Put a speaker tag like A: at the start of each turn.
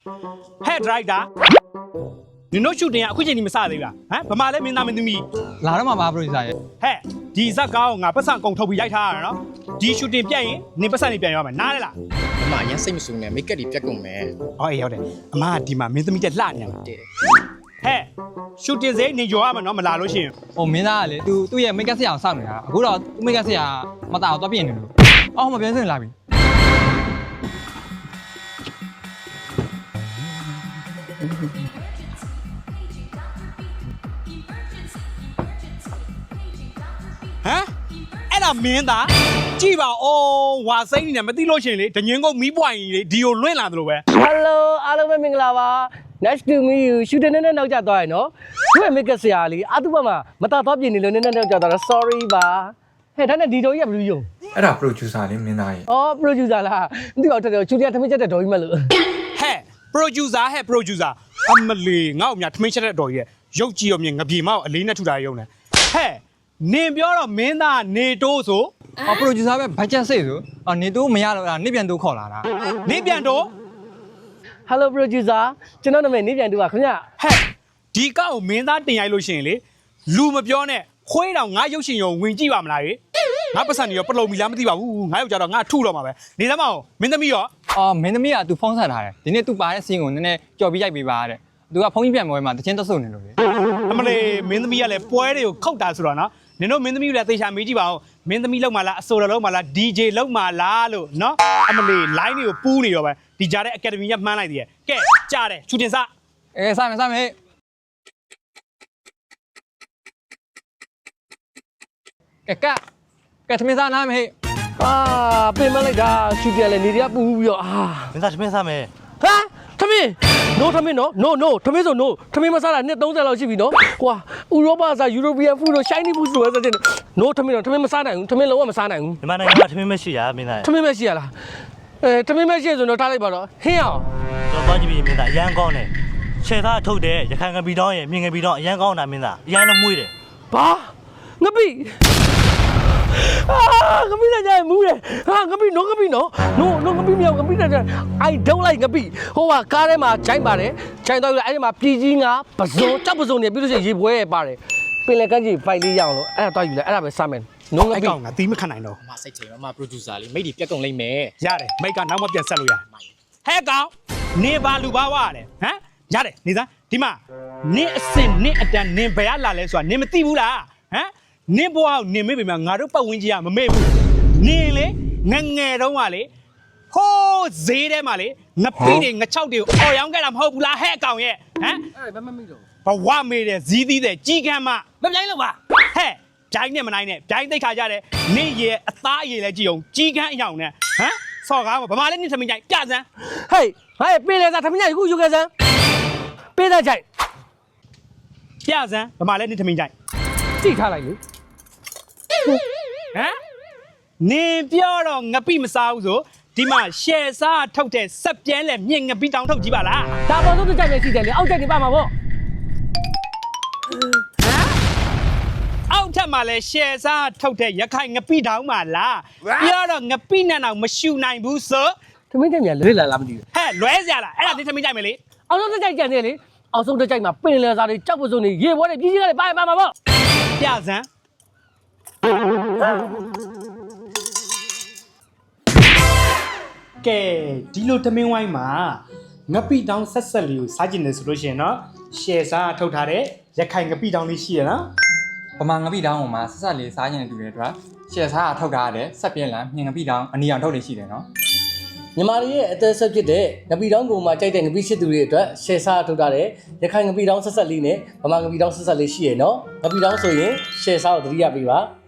A: Hey driver 你弄shooting啊，快点你们啥的啦？啊，不嘛嘞，没那么多米。
B: လာတော့မှာပါ producer ရဲ့
A: 嘿，ဒီဇက်ကောင်ငါပတ်စံကုန်ထုတ်ပြီးရိုက်ထားရနော်ဒီ shooting ပြတ်ရင်နင်ပတ်စံနေပြန်ရမယ်နားလဲလား
C: အမရန်စိတ်မဆိုးနဲ့မိတ်ကပ်တွေပြတ်ကုန်မယ်
A: ဟောအေးဟုတ်တယ်အမကဒီမှာမင်းသမီးတက်လှနေရမှာ
C: တဲ့
A: ဟဲ့ shooting စိနေကြောရမှာနော်မလာလို့ရှိရင်
B: ဟိုမင်းသားကလေသူ့ရဲ့ make up ဆရာအောင်စောင့်နေတာအခုတော့သူ့ make up ဆရာမတာတော့ပြင်နေလို့အော်မပြန်စင်လာပြီ
A: ဟမ်အဲ့ဒါမင်းသားကြည့်ပါဦးဝါစိမ့်နေတယ်မသိလို့ရှိရင်လေဒငင်းကုန်းမီးပွိုင်ကြီးလေဒီကိုလွင့်လာသလိုပဲ
D: Hello အားလုံးပဲမင်္ဂလာပါ Nice to meet you shooting နဲ့နောက်ကျသွားရနော်သူ့ရဲ့ make up ဆရာလေးအတူပါမှာမတာတော့ပြင်နေလို့နည်းနောက်ကျသွားတာ sorry ပါဟဲ့ဒါနဲ့ဒီတော်ကြီးကဘယ်လိုယုံ
E: အဲ့ဒါ producer လေးမင်းသားကြီး
D: အော် producer လားမသိပါဘူးတော်ချူတရထမင်းချက်တဲ့တော်ကြီးမလို့
A: ဟဲ့ producer ဟဲ့ producer အမလီငါ့အမြထမင်းချက်တဲ့တော်ကြီးရဲ့ရုပ်ကြည့်ရောမြင်ငပြေမောက်အလေးနဲ့ထူတာရုံနဲ့ဟဲ့နင်ပြောတော့မင်းသားနေတိုးဆို
B: အော် producer ပဲ budget စိတ်ဆိုအော်နေသူမရတော့နေပြန်သူခေါ်လာတာ
A: နေပြန်တော့
D: Hello producer ကျွန်တော်နာမည်နေပြန်တူပါခင်ဗျ
A: ဟဲ့ဒီကောက်ကိုမင်းသားတင်ရိုက်လို့ရှိရင်လေလူမပြောနဲ့ခွေးတောင်ငါရုပ်ရှင်ရုံဝင်ကြည့်ပါမလားရေငါပတ်စံနေရောပလုံမီလားမသိပါဘူးငါရောက်ကြတော့ငါထုတော့မှာပဲနေသမောင်မင်းသမီးရော
B: အော်မင်းသမီးကသူဖုန်းဆက်ထားတယ်ဒီနေ့သူပါတဲ့စီးကိုနည်းနည်းကြော်ပြီးရိုက်ပေးပါတဲ့သူကဖုန်းကြီးပြန်မွေးမှာတချင်းတက်ဆုပ်နေလို့လေ
A: အမလေးမင်းသမီးကလည်းပွဲတွေကိုခောက်တာဆိုတော့နော်နင်တို့မင်းသမီးကလည်းသေချာမေးကြည့်ပါဦးမင်းသမီးလောက်မှလားအဆိုတော်လောက်မှလား DJ လောက်မှလားလို့နော်အမလေး line တွေကိုပူးနေရောပဲဒီကြားတဲ့ academy ကမှန်းလိုက်သေးရဲ့ကဲကြားတယ်ချူတင်စ
B: စမယ်စမယ်ကဲသမင်းစားနားမေး
D: အာပြင်မလိုက်တာရှူတရလည်းနေရပူပြီးတော့အာ
F: မင်းသားသမင်းစားမယ်
D: ဟာထမင်း no ထမင်းနော် no ထမင်းဆို no ထမင်းမစားတာနှစ်30လောက်ရှိပြီနော်ကွာဥရောပစား European food တို့ Chinese food တို့ဆိုတဲ့ no ထမင်းတော့ထမင်းမစားနိုင်ဘူးထမင်းလုံးဝမစားနိုင်ဘူး
F: မြန်မာနိုင်ငံမှာသမင်းမရှိရမင်းသား
D: ထမင်းမရှိရလားထမင်းမရှိဆိုတော့ထားလိုက်ပါတော့ဟင်းအောင်
F: တော့သွားကြည့်ပြီးမင်းသားအရန်ကောင်းတယ်ခြေသားထုတ်တယ်ရခိုင်ငပီတောင်းရဲ့မြင်ငပီတောင်းအရန်ကောင်းတာမင်းသားအရန်လုံးမွေးတယ်
D: ဘာငပိငပိလည်းကြိုင်မူးတယ်ဟာငပိနော်ငပိနော် no ငပိမြောက်ငပိလည်း I don't like ငပိဟိုကကားထဲမှာဂျိုင်းပါတယ်ဂျိုင်းတော့အဲ့ဒီမှာပြည်ကြီးငါပစုံကြောက်ပစုံနေပြီးလို့ရှိရင်ရေပွဲရပါတယ်ပင်လယ်ကမ်းခြေဖိုက်လေးရအောင်လို့အဲ့ဒါတော့ယူလိုက်အဲ့ဒါပဲစမယ်နော်င
A: အဲ့
D: ပိ
A: ကောင်ကသီးမခံနိုင်တော့
C: အမစိတ်ချိန်အမ producer လေးမိတ်တွေပြတ်ကုန်လိမ့်မယ်
A: ရတယ်မိတ်ကနောက်မှပြန်ဆက်လို့ရဟဲ့ကောင်နေပါလူပါဝါလေဟမ်ရတယ်နေသားဒီမှာနင်းအစင်နင်းအတန်နင်းဘယ်ရလာလဲဆိုတာနင်းမသိဘူးလားဟမ်နင်းဘွားကိုနင်းမေ့ပြီမှာငါတို့ပတ်ဝန်းကျင်ကမမေ့ဘူးနင်းလေငငယ်တုန်းကလေဟိုးဈေးထဲမှာလေငပိတွေငချောက်တွေကိုအော်ရောင်းခဲ့တာမဟုတ်ဘူးလားဟဲ့ကောင်ရဲ့ဟမ်
D: အဲ့ဒါမမိတော့
A: ဘဝမေးတယ်ဇီးသီးတယ်ကြီးကမ်းမ
D: မပြိုင်းလို့ပါ
A: ဟဲ့ဂျိုင်းနဲ့မနိုင်နဲ့ဂျိုင်းသိခါကြတယ်နင့်ရဲ့အသားအရည်လည်းကြည့်အောင်ကြီးကမ်းအယောင်နဲ့ဟမ်ဆော့ကားဗမာလည်းနင့်သမီးကြိုင်ပြစမ်း
D: ဟေးဟဲ့ပင်လယ်စားထမင်းကြီးခုယူခဲ့စမ်းပေးတဲ့ကြိုက်
A: ပြစမ်းဗမာလည်းနင့်သမီးကြိုင်
D: ကြည့်ထားလိုက်လေ
A: ဟမ်နင်ပြောတော့ငပိမစားဘူးဆိုဒီမှာရှယ်စားထုတ်တဲ့စက်ပြဲလဲမြင့်ငပိတောင်ထုတ်ကြည့်ပါလား
D: ဒါပေါ်ဆုံးတစ်ကြိုက်ပဲရှိတယ်လေအောက်ကြိုက်နေပါမှာပေါ့
A: အောက်ထပ်မှာလဲရှယ်စားထုတ်တဲ့ရခိုင်ငပိတောင်မှာလားပြောတော့ငပိနဲ့တော့မရှူနိုင်ဘူးဆို
D: သမင်းတက်မြန်လွဲလာလားမသိဘူး
A: ဟဲ့လွဲစရာလားအဲ့ဒါနင့်သမီးကြိုင်မယ်လေ
D: အောက်ဆုံးတစ်ကြိုက်ကြံနေလေအောက်ဆုံးတစ်ကြိုက်မှာပင်လယ်စားတွေကြောက်ပစုံတွေရေပွဲတွေပြည်ကြီးကလည်းပါမှာပေါ့
A: ပြစမ်းကဲဒီလိုသမင်းဝိုင်းမှာငပိတောင်ဆက်ဆက်လေးကိုစားကျင်တယ်ဆိုလို့ရှိရင်တော့ရှယ်စားထုတ်ထားတဲ့ရခိုင်ငပိတောင်လေးရှိရနော်
B: ပမာငပိတောင်းပေါ်မှာဆက်ဆက်လေးစားကျင်တူတဲ့အတွက်ရှယ်စားထုတ်ထားတဲ့ဆက်ပြင်းလန်မြင်ငပိတောင်းအနီအောင်ထုတ်နေရှိတယ်နော်
D: မြန်မာတွေရဲ့အသက်ဆက်ဖြစ်တဲ့ငပီတောင်းကိုမှကြိုက်တဲ့ငပီချစ်သူတွေအတွက်ရှယ်စားထုတ်ထားတဲ့ရခိုင်ငပီတောင်းဆက်ဆက်လေးနဲ့ဗမာငပီတောင်းဆက်ဆက်လေးရှိရနော်ငပီတောင်းဆိုရင်ရှယ်စားကိုသတိရပေးပါ